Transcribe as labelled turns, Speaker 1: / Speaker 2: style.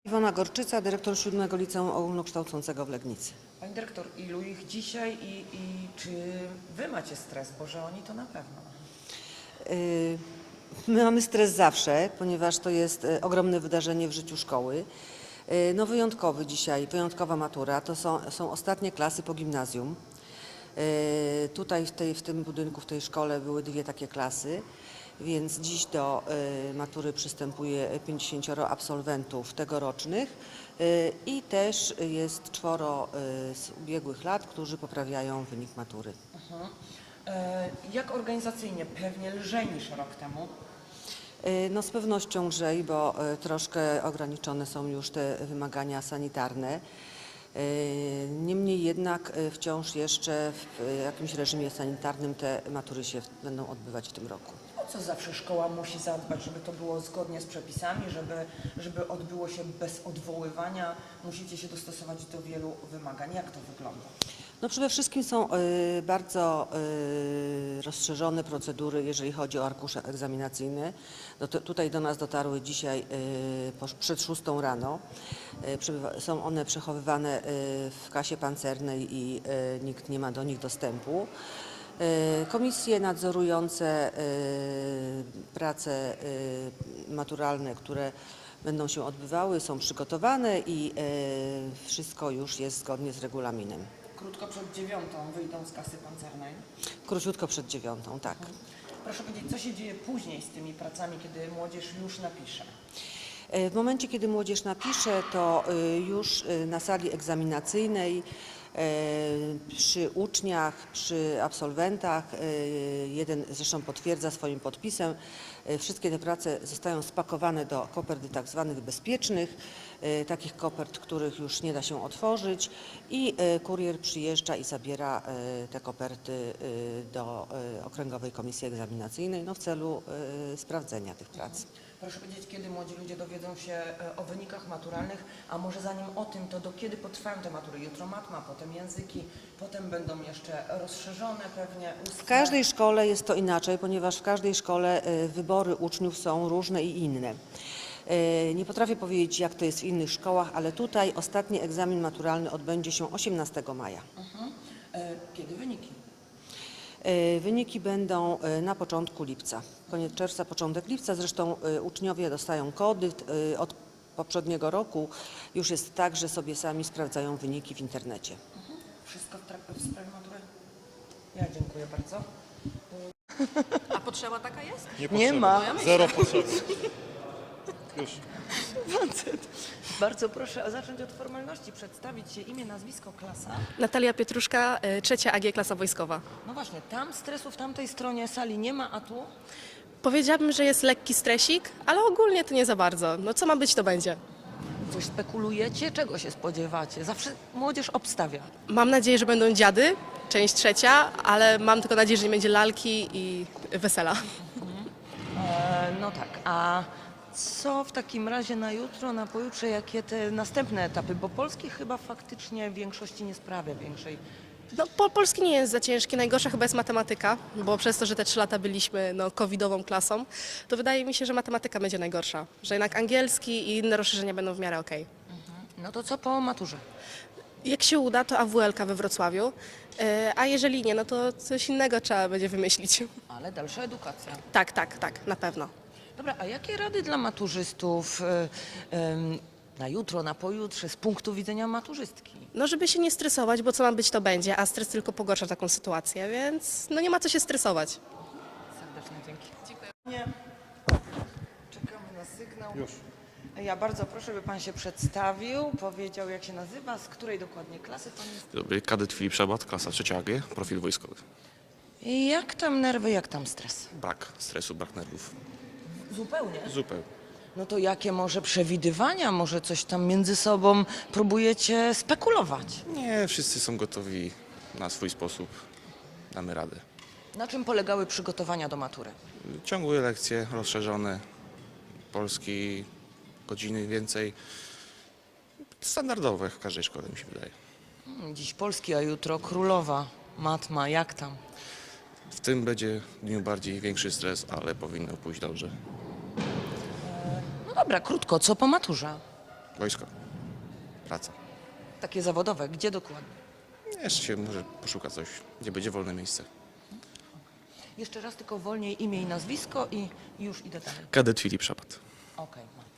Speaker 1: Iwona Gorczyca, dyrektor 7 Liceum Ogólnokształcącego w Legnicy.
Speaker 2: Pani dyrektor, ilu ich dzisiaj i czy wy macie stres? Bo że oni to na pewno.
Speaker 1: My mamy stres zawsze, ponieważ to jest ogromne wydarzenie w życiu szkoły. No wyjątkowy dzisiaj, wyjątkowa matura, to są ostatnie klasy po gimnazjum. Tutaj w tym budynku, w tej szkole były dwie takie klasy, więc dziś do matury przystępuje 50 absolwentów tegorocznych i też jest 4 z ubiegłych lat, którzy poprawiają wynik matury.
Speaker 2: Jak organizacyjnie? Pewnie lżej niż rok temu.
Speaker 1: No z pewnością lżej, bo troszkę ograniczone są już te wymagania sanitarne. Niemniej jednak wciąż jeszcze w jakimś reżimie sanitarnym te matury się będą odbywać w tym roku.
Speaker 2: O co zawsze szkoła musi zadbać, żeby to było zgodnie z przepisami, żeby odbyło się bez odwoływania? Musicie się dostosować do wielu wymagań. Jak to wygląda?
Speaker 1: No przede wszystkim są bardzo rozszerzone procedury, jeżeli chodzi o arkusze egzaminacyjne. Tutaj do nas dotarły dzisiaj przed 6 rano. Są one przechowywane w kasie pancernej i nikt nie ma do nich dostępu. Komisje nadzorujące prace maturalne, które będą się odbywały, są przygotowane i wszystko już jest zgodnie z regulaminem.
Speaker 2: Krótko przed 9 wyjdą z kasy pancernej.
Speaker 1: Króciutko przed 9, tak.
Speaker 2: Proszę powiedzieć, co się dzieje później z tymi pracami, kiedy młodzież już napisze?
Speaker 1: W momencie, kiedy młodzież napisze, to już na sali egzaminacyjnej przy uczniach, przy absolwentach, jeden zresztą potwierdza swoim podpisem, wszystkie te prace zostają spakowane do kopert tak zwanych bezpiecznych, takich kopert, których już nie da się otworzyć i kurier przyjeżdża i zabiera te koperty do Okręgowej Komisji Egzaminacyjnej w celu sprawdzenia tych prac.
Speaker 2: Proszę powiedzieć, kiedy młodzi ludzie dowiedzą się o wynikach maturalnych, a może zanim o tym, to do kiedy potrwają te matury? Jutro matma, potem języki, potem będą jeszcze rozszerzone pewnie ustne.
Speaker 1: W każdej szkole jest to inaczej, ponieważ w każdej szkole wybory uczniów są różne i inne. Nie potrafię powiedzieć, jak to jest w innych szkołach, ale tutaj ostatni egzamin maturalny odbędzie się 18 maja.
Speaker 2: Kiedy wyniki?
Speaker 1: Wyniki będą na początku lipca, koniec czerwca, początek lipca. Zresztą uczniowie dostają kody. Od poprzedniego roku już jest tak, że sobie sami sprawdzają wyniki w internecie.
Speaker 2: Wszystko w sprawie matury? Ja dziękuję bardzo.
Speaker 3: A potrzeba taka jest?
Speaker 2: Nie ma.
Speaker 4: Zero potrzeby. Już.
Speaker 2: Bardzo proszę zacząć od formalności, przedstawić się imię, nazwisko, klasa.
Speaker 3: Natalia Pietruszka, 3 AG, klasa wojskowa.
Speaker 2: No właśnie, tam stresu w tamtej stronie sali nie ma, a tu?
Speaker 3: Powiedziałabym, że jest lekki stresik, ale ogólnie to nie za bardzo. No co ma być, to będzie.
Speaker 2: Coś spekulujecie? Czego się spodziewacie? Zawsze młodzież obstawia.
Speaker 3: Mam nadzieję, że będą dziady, część 3, ale mam tylko nadzieję, że nie będzie lalki i wesela.
Speaker 2: No tak, a co w takim razie na jutro, na pojutrze, jakie te następne etapy? Bo polski chyba faktycznie w większości nie sprawia większej.
Speaker 3: No, polski nie jest za ciężki, najgorsza chyba jest matematyka, bo przez to, że te 3 lata byliśmy covidową klasą, to wydaje mi się, że matematyka będzie najgorsza. Że jednak angielski i inne rozszerzenia będą w miarę okej.
Speaker 2: No to co po maturze?
Speaker 3: Jak się uda, to AWL-ka we Wrocławiu, a jeżeli nie, no to coś innego trzeba będzie wymyślić.
Speaker 2: Ale dalsza edukacja.
Speaker 3: Tak, na pewno.
Speaker 2: Dobra, a jakie rady dla maturzystów na jutro, na pojutrze z punktu widzenia maturzystki?
Speaker 3: No, żeby się nie stresować, bo co ma być, to będzie, a stres tylko pogarsza taką sytuację, więc no nie ma co się stresować.
Speaker 2: Serdecznie dzięki. Dziękuję. Czekamy na sygnał.
Speaker 4: Już.
Speaker 2: Ja bardzo proszę, by pan się przedstawił, powiedział jak się nazywa, z której dokładnie klasy pan jest.
Speaker 5: Dobry, kadet Filip Szabat, klasa 3 AG, profil wojskowy.
Speaker 2: I jak tam nerwy, jak tam stres?
Speaker 5: Brak stresu, brak nerwów.
Speaker 2: Zupełnie.
Speaker 5: Zupełnie.
Speaker 2: No to jakie może przewidywania, może coś tam między sobą próbujecie spekulować?
Speaker 5: Nie, wszyscy są gotowi na swój sposób. Damy radę.
Speaker 2: Na czym polegały przygotowania do matury?
Speaker 5: Ciągłe lekcje rozszerzone, polski, godziny więcej. Standardowe w każdej szkole, mi się wydaje.
Speaker 2: Dziś polski, a jutro królowa, matma, jak tam?
Speaker 5: W tym będzie dniu bardziej większy stres, ale powinno pójść dobrze.
Speaker 2: No dobra, krótko, co po maturze?
Speaker 5: Wojsko. Praca.
Speaker 2: Takie zawodowe, gdzie dokładnie?
Speaker 5: Jeszcze się może poszuka coś, gdzie będzie wolne miejsce.
Speaker 2: Jeszcze raz tylko wolniej imię i nazwisko i już idę dalej.
Speaker 5: Kadet Filip Szapat.
Speaker 2: Okej, mam.